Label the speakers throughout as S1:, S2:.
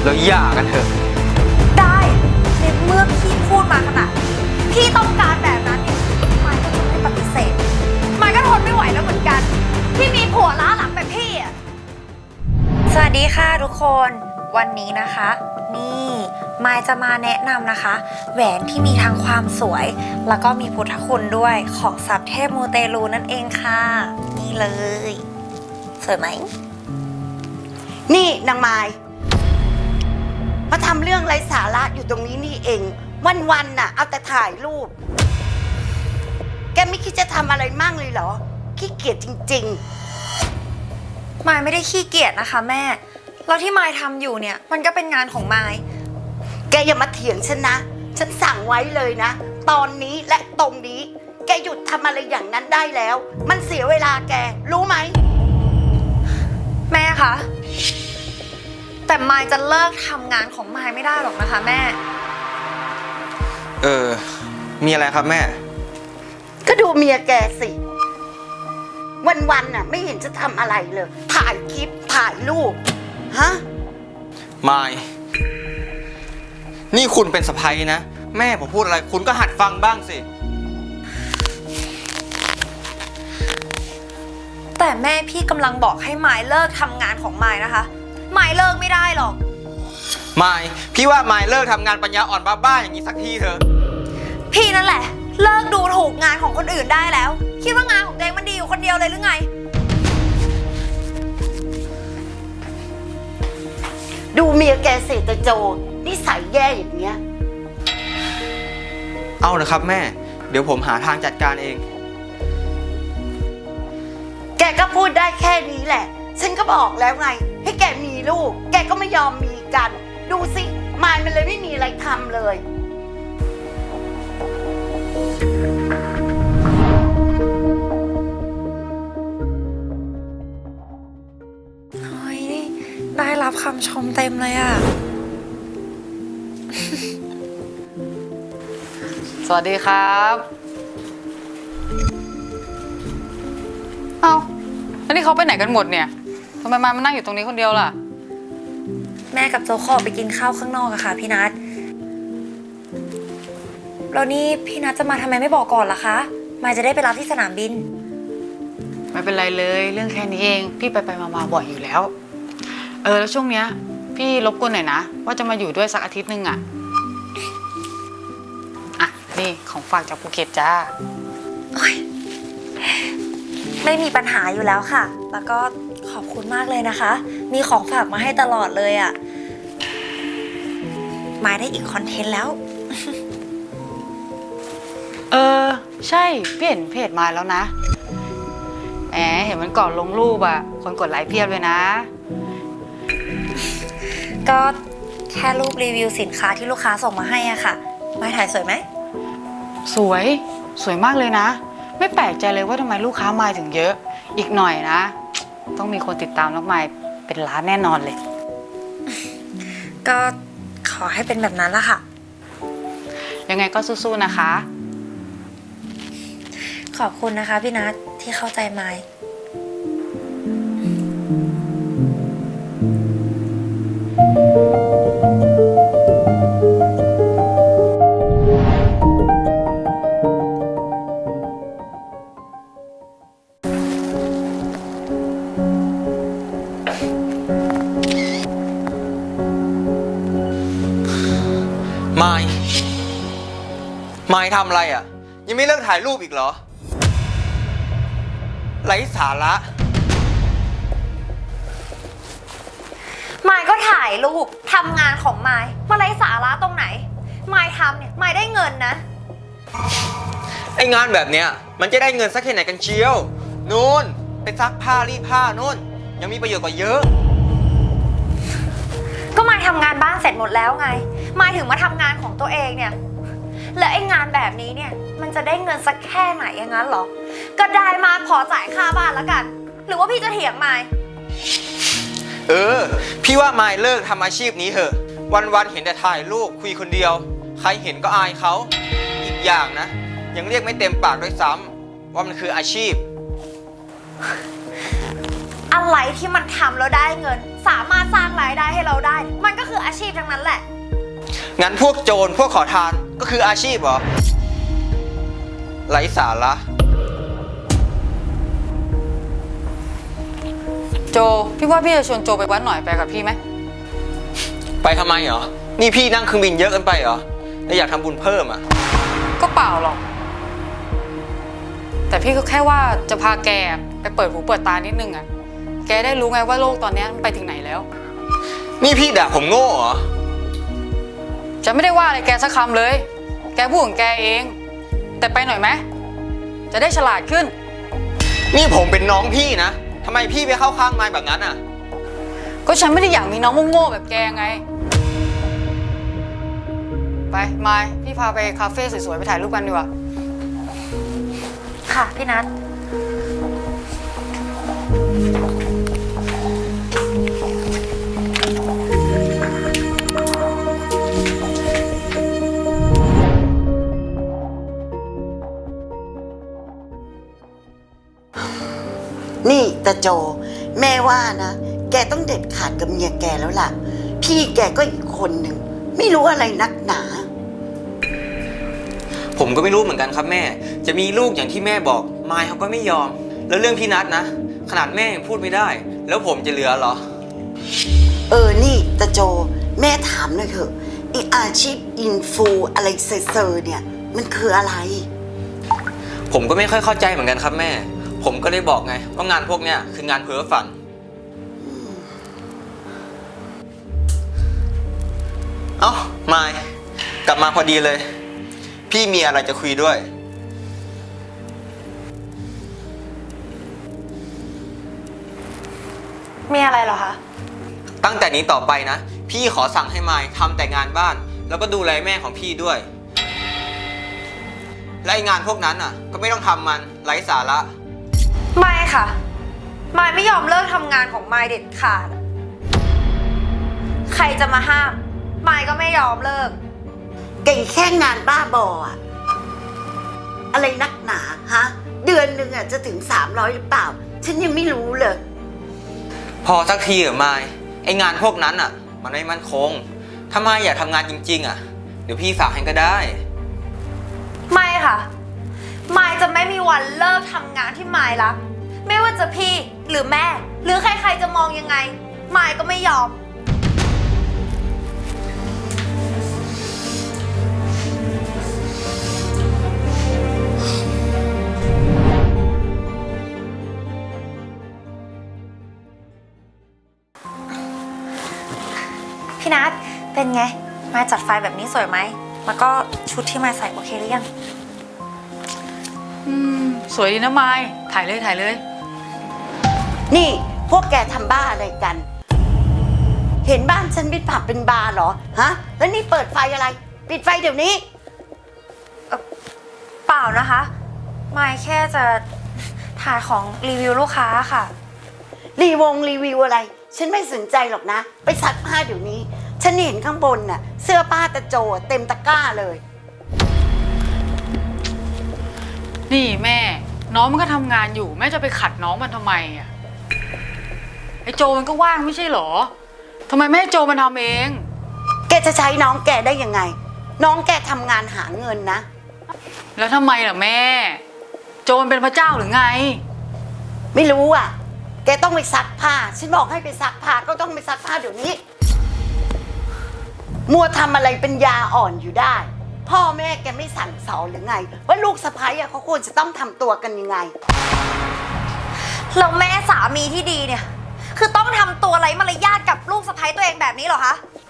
S1: แล้วหย่ากันเถอะ
S2: ได้ในเมื่อพี่พูดมาขนาดนี้พี่ต้องการแบบนั้นเนี่ยมายก็จะไม่ปฏิเสธมายก็ทนไม่ไหวแล้วเหมือนกันที่มีผัวล้าหลังแบบพี่อ่ะสวัสดีค่ะทุกคนวันนี้นะคะนี่มายจะมาแนะนำนะคะแหวนที่มีทั้งความสวยแล้วก็มีพุทธคุณด้วยของสัพเทพมูเตลูนั่นเองค่ะนี่เลยสวยไหม
S3: นี่นางไม้มาทำเรื่องไร้สาระอยู่ตรงนี้นี่เองวันๆน่ะเอาแต่ถ่ายรูปแกไม่คิดจะทำอะไรมั่งเลยเหรอขี้เกียจจริง
S2: มายไม่ได้ขี้เกียจนะคะแม่แล้วที่มายทำอยู่เนี่ยมันก็เป็นงานของมาย
S3: ๆแกอย่ามาเถียงฉันนะฉันสั่งไว้เลยนะตอนนี้และตรงนี้แกหยุดทำอะไรอย่างนั้นได้แล้วมันเสียเวลาแกรู้ไหม
S2: แม่คะแต่มายจะเลิกทำงานของมายไม่ได้หรอกนะคะแม่
S1: มีอะไรครับแม่
S3: ก็ดูเมียแกสิวันๆน่ะไม่เห็นจะทำอะไรเลยถ่ายคลิปถ่ายรูปฮะ
S1: มายนี่คุณเป็นสะใภ้นะแม่ผมพูดอะไรคุณก็หัดฟังบ้างสิ
S2: แต่แม่พี่กำลังบอกให้มายเลิกทำงานของมายนะคะมายเลิกไม่ได้หรอก
S1: มายพี่ว่ามายเลิกทำงานปัญญาอ่อนบ้าๆอย่างนี้สักทีเถอะ
S2: พี่นั่นแหละเลิกดูถูกงานของคนอื่นได้แล้วคิดว่างานของตัวเองมันดีอยู่คนเดียวเลยหรือไง
S3: ดูเมียแกเสตโจนิสัยแย่อย่างเงี้ย
S1: เอานะครับแม่เดี๋ยวผมหาทางจัดการเอง
S3: แกก็พูดได้แค่นี้แหละฉันก็บอกแล้วไงให้แกมีลูกแกก็ไม่ยอมมีกันดูสิมายมันเลยไม่มีอะไรทำเลย
S2: เฮ้ยได้รับคำชมเต็มเลยอ่ะ
S4: สวัสดีครับเอ้าแล้วนี่เขาไปไหนกันหมดเนี่ยทำไมมานั่งอยู่ตรงนี้คนเดียวล่ะ
S2: แม่กับโจขอไปกินข้าวข้างนอกอะค่ะพี่นัทแล้วนี่พี่นัทจะมาทำไมไม่บอกก่อนล่ะคะมายจะได้ไปรับที่สนามบิน
S4: ไม่เป็นไรเลยเรื่องแค่นี้เองพี่ไปมาบ่อยอยู่แล้วแล้วช่วงเนี้ยพี่รบกวนหน่อยนะว่าจะมาอยู่ด้วยสักอาทิตย์นึงอ่ะนี่ของฝากจากภูเก็ตจ้า
S2: ไม่มีปัญหาอยู่แล้วค่ะแล้วก็ขอบคุณมากเลยนะคะมีของฝากมาให้ตลอดเลยอ่ะมายได้อีกคอนเทนต์แล้ว
S4: ใช่พี่เห็นเพจมาแล้วนะเห็นมันก่อนลงรูปอ่ะคนกดไลค์เพียบเลยนะ
S2: ก็แค่รูปรีวิวสินค้าที่ลูกค้าส่งมาให้อ่ะค่ะมายถ่ายสวยไหม
S4: สวยมากเลยนะไม่แปลกใจเลยว่าทำไมลูกค้ามาถึงเยอะอีกหน่อยนะต้องมีคนติดตามน้องไมค์เป็นล้านแน่นอนเลย
S2: ก็ขอให้เป็นแบบนั้นละค่ะ
S4: ยังไงก็สู้ๆนะคะ
S2: ขอบคุณนะคะพี่นัทที่เข้าใจไมค์
S1: มายทำอะไรอ่ะยังไม่เลิกถ่ายรูปอีกเหรอไร้สาระ
S2: มายก็ถ่ายรูปทำงานของมายมาไร้สาระตรงไหนมายทำเนี่ยมายได้เงินนะ
S1: ไองานแบบเนี้ยมันจะได้เงินสักแค่ไหนกันเชียวนู่นไปซักผ้ารีดผ้านู่นยังมีประโยชน์กว่าเยอะ
S2: ก็มายทำงานบ้านเสร็จหมดแล้วไงมายถึงมาทำงานของตัวเองเนี่ยแล้วไอ้งานแบบนี้เนี่ยมันจะได้เงินสักแค่ไหนอย่างนั้นหรอก็ได้มาพอจ่ายค่าบ้านแล้วกันหรือว่าพี่จะเถียงมาย
S1: พี่ว่ามายเลิกทำอาชีพนี้เถอะวันๆเห็นแต่ถ่ายรูปคุยคนเดียวใครเห็นก็อายเขาอีกอย่างนะยังเรียกไม่เต็มปากด้วยซ้ำว่ามันคืออาชีพ
S2: อะไรที่มันทำแล้วได้เงินสามารถสร้างรายได้ให้เราได้มันก็คืออาชีพนั้นแหละ
S1: งั้นพวกโจรพวกขอทานก็คืออาชีพเหรอไร้สาระ
S4: โจ พี่ว่าพี่จะชวนโจไปวัดหน่อยไปกับพี่ไหม
S1: ไปทำไมเหรอ นี่พี่นั่งเครื่องบินเยอะเกินไปเหรอแล้วอยากทำบุญเพิ่มอ่ะ
S4: ก็เปล่าหรอก แต่พี่ก็แค่ว่าจะพาแกไปเปิดหูเปิดตานิดนึงอะแกได้รู้ไงว่าโลกตอนนี้มันไปถึงไหนแล้ว
S1: นี่พี่ด่าผมโง่เหรอ
S4: จะไม่ได้ว่าอะไรแกสักคำเลย แกพูดของแกเอง แต่ไปหน่อยไหมจะได้ฉลาดขึ้น
S1: นี่ผมเป็นน้องพี่นะทำไมพี่ไปเข้าข้างมายแบบนั้นอ่ะ
S4: ก็ฉันไม่ได้อยากมีน้องโง่ๆแบบแกไง ไปมายพี่พาไปคาเฟ่สวยๆไปถ่ายรูปกันดีกว่า
S2: ค่ะพี่นัท
S3: นี่ตาโจ แม่ว่านะ แกต้องเด็ดขาดกับเมียแกแล้วล่ะ พี่แกก็อีกคนหนึ่งไม่รู้อะไรนักหนา
S1: ผมก็ไม่รู้เหมือนกันครับแม่ จะมีลูกอย่างที่แม่บอกมายเขาก็ไม่ยอม แล้วเรื่องพี่นัทนะ ขนาดแม่ยังพูดไม่ได้ แล้วผมจะเหลือเหรอ
S3: นี่ตาโจ แม่ถามหน่อยเถอะไออาชีพอินฟูอะไรเซอร์เนี่ย มันคืออะไร
S1: ผมก็ไม่ค่อยเข้าใจเหมือนกันครับแม่ ผมก็เลยบอกไงว่างานพวกเนี้ยคืองานเพ้อฝัน เอ้ามายกลับมาพอดีเลย พี่มีอะไรจะคุยด้วย
S2: มีอะไรเหรอคะ
S1: ตั้งแต่นี้ต่อไปนะ พี่ขอสั่งให้มายทำแต่งานบ้าน แล้วก็ดูแลแม่ของพี่ด้วย และไอ้งานพวกนั้นอ่ะ ก็ไม่ต้องทำมันไร้สาระ
S2: ไม่ค่ะ มายไม่ยอมเลิกทำงานของมายเด็ดขาด ใครจะมาห้าม มายก็ไม่ยอมเลิก
S3: แกแค่งานบ้าบออะอะไรนักหนาฮะ เดือนหนึ่งอะจะถึง300หรือเปล่า ฉันยังไม่รู้เลย
S1: พอสักทีเหรอมายไองานพวกนั้นอ่ะ มันไม่มั่นคง ถ้ามายอยากทำงานจริงๆอ่ะ เดี๋ยวพี่ฝากให้ก็ได้
S2: ไม่ค่ะ มายจะไม่มีวันเลิกทำงานที่มายรัก ไม่ว่าจะพี่หรือแม่ หรือใครๆจะมองยังไง มายก็ไม่ยอม พี่นัทเป็นไง มายจัดไฟแบบนี้สวยไหม แล้วก็ชุดที่มายใส่โอเคหรือยัง
S4: สวยดีนะมายถ่ายเลยถ่ายเลย
S3: นี่พวกแกทำบ้าอะไรกัน เห็นบ้านฉันเป็นผับเป็นบาร์เหรอ ฮะ แล้วนี่เปิดไฟอะไร ปิดไฟเดี๋ยวนี้
S2: เปล่านะคะ มายแค่จะถ่ายของรีวิวลูกค้าค่ะ
S3: รีวิวอะไร ฉันไม่สนใจหรอกนะ ไปซักผ้าเดี๋ยวนี้ ฉันเห็นข้างบนน่ะ เสื้อผ้าตะโจเต็มตะกร้าเลย
S4: นี่แม่ น้องมันก็ทำงานอยู่แม่จะไปขัดน้องมันทำไมอ่ะไอโจมันก็ว่างไม่ใช่เหรอทำไมไม่ให้โจมันทำเอง
S3: แกจะใช้น้องแกได้ยังไง น้องแกทำงานหาเงินนะ
S4: แล้วทำไมล่ะแม่ โจมันเป็นพระเจ้าหรือไง
S3: ไม่รู้อ่ะ แกต้องไปซักผ้า ฉันบอกให้ไปซักผ้าก็ต้องไปซักผ้าเดี๋ยวนี้ มัวทำอะไรเป็นยาอ่อนอยู่ได้ พ่อแม่แกไม่สั่งสอนหรือไง ว่าลูกสะใภ้อะเขาควรจะต้องทำตัวกันยังไง
S2: แล้วแม่สามีที่ดีเนี่ย คือต้องทำตัวไร้มารยาทกับลูกสะใภ้ตัวเองแบบนี้เหรอคะ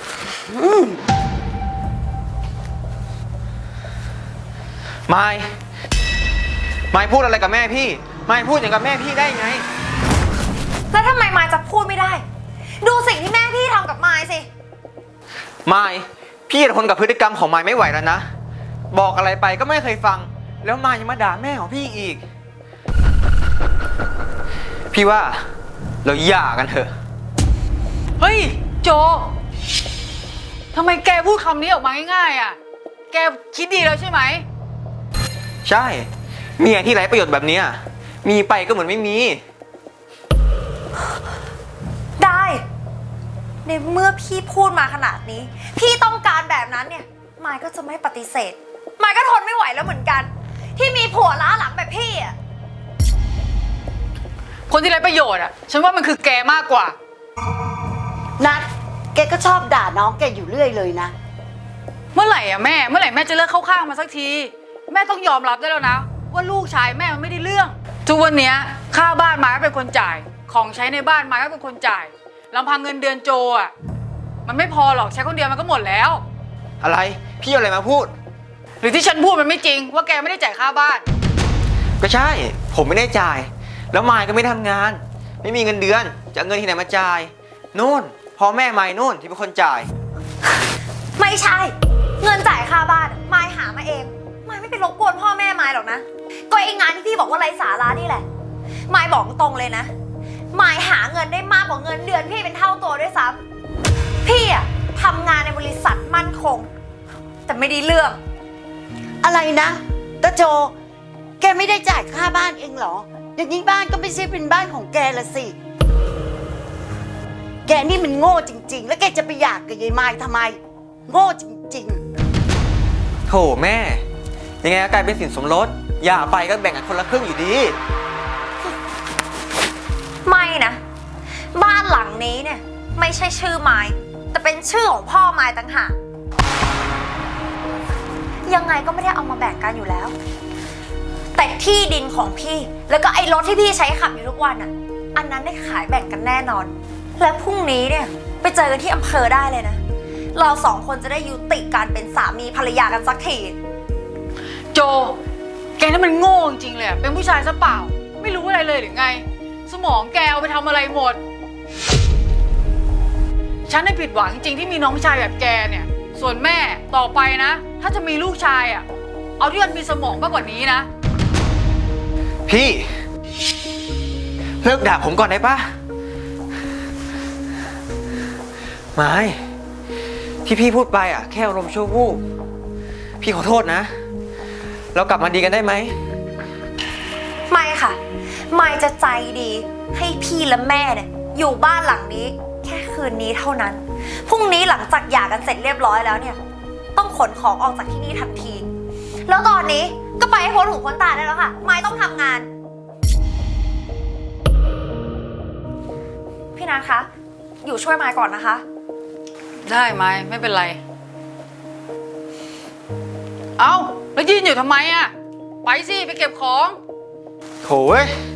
S1: มายพูดอะไรกับแม่พี่ มายพูดอย่างกับแม่พี่ได้ไง
S2: แล้วทำไมมายจะพูดไม่ได้ ดูสิ่งที่แม่พี่ทำกับมายสิ
S1: มายพี่ทนกับพฤติกรรมของมายไม่ไหวแล้วนะ บอกอะไรไปก็ไม่เคยฟัง แล้วมายยังมาด่าแม่ของพี่อีก พี่ว่าเราหย่ากันเถอะ
S4: เฮ้ยโจทำไมแกพูดคำนี้ออกมาง่ายๆอ่ะ แกคิดดีแล้วใช่ไหม
S1: ใช่เมียที่ไร้ประโยชน์แบบเนี้ยมีไปก็เหมือนไม่มี
S2: ได้ในเมื่อพี่พูดมาขนาดนี้ พี่ต้องการแบบนั้นเนี่ยมายก็จะไม่ปฏิเสธมายก็ทนไม่ไหวแล้วเหมือนกัน ที่มีผัวล้าหลังแบบพี่อ่ะ
S4: คนที่ไร้ประโยชน์อ่ะ ฉันว่ามันคือแกมากกว่า
S3: นัดแกก็ชอบด่าน้องแกอยู่เรื่อยเลยนะ
S4: เมื่อไหร่อ่ะแม่ เมื่อไหร่แม่จะเลิกเข้าข้างมาสักที แม่ต้องยอมรับได้แล้วนะ ว่าลูกชายแม่มันไม่ได้เรื่อง ทุกวันเนี้ยค่าบ้านมายก็เป็นคนจ่าย ของใช้ในบ้านมายก็เป็นคนจ่ายลำพังเงินเดือนโจอ่ะ มันไม่พอหรอกใช้คนเดียวมันก็หมดแล้ว
S1: อะไร พี่เอาอะไรมาพูด
S4: หรือที่ฉันพูดมันไม่จริง ว่าแกไม่ได้จ่ายค่าบ้าน
S1: ก็ใช่ ผมไม่ได้จ่าย แล้วมายก็ไม่ทำงาน ไม่มีเงินเดือน จะเอาเงินที่ไหนมาจ่ายนู่นพ่อแม่มายนู่นที่เป็นคนจ่าย
S2: ไม่ใช่ เงินจ่ายค่าบ้านมายหามาเองมายไม่ไปรบกวนพ่อแม่มายหรอกนะก็ไอ้งานที่พี่บอกว่าไร้สาระนี่แหละมายบอกตรงเลยนะมายหาเงินได้มากกว่าเงินเดือนพี่เป็นเท่าตัวด้วยซ้ำพี่อะทำงานในบริษัทมั่นคง แต่ไม่ได้เรื่อง
S3: อะไรนะตาโจ แกไม่ได้จ่ายค่าบ้านเองเหรอ อย่างนี้บ้านก็ไม่ใช่เป็นบ้านของแกละสิ แกนี่มันโง่จริง ๆ แล้วแกจะไปหย่ากับยายไม้ทำไม โง่จริง
S1: โถแม่ ยังไงก็กลายเป็นสินสมรส อย่าไปก็แบ่งกันคนละครึ่งอยู่ดี
S2: ไม่นะ บ้านหลังนี้เนี่ยไม่ใช่ชื่อไม้แต่เป็นชื่อของพ่อไม้ต่างหากยังไงก็ไม่ได้เอามาแบ่งกันอยู่แล้ว แต่ที่ดินของพี่แล้วก็ไอ้รถที่พี่ใช้ขับอยู่ทุกวันอ่ะอันนั้นได้ขายแบ่งกันแน่นอน และพรุ่งนี้เนี่ยไปเจอกันที่อำเภอได้เลยนะเราสองคนจะได้ยุติการเป็นสามีภรรยากันสักที
S4: โจ แกนี่มันโง่จริงๆเลยอะเป็นผู้ชายซะเปล่า ไม่รู้อะไรเลยหรือไง สมองแกเอาไปทำอะไรหมด ฉันได้ผิดหวังจริงๆที่มีน้องชายแบบแกเนี่ย ส่วนแม่ต่อไปนะ ถ้าจะมีลูกชายอ่ะ เอาที่มันมีสมองมากกว่านี้นะ
S1: พี่ เลิกด่าผมก่อนได้ปะไม่ที่พี่พูดไปอ่ะแค่อารมณ์ชั่ววูบพี่ขอโทษนะ เรากลับมาดีกันได้ไหม
S2: ไม่ค่ะไม่จะใจดีให้พี่และแม่เนี่ยอยู่บ้านหลังนี้แค่คืนนี้เท่านั้นพรุ่งนี้หลังจากหย่ากันเสร็จเรียบร้อยแล้วเนี่ยต้องขนของออกจากที่นี่ทันที แล้วตอนนี้ก็ไปให้พ้นหูพ้นตาได้แล้วค่ะไม่ต้องทำงานพี่นัทคะอยู่ช่วยมายก่อนนะคะ
S4: ได้ไหมไม่เป็นไร เอ้าแล้วยืนอยู่ทำไมอ่ะ ไปสิ ไปเก็บของ
S1: โถเว้ย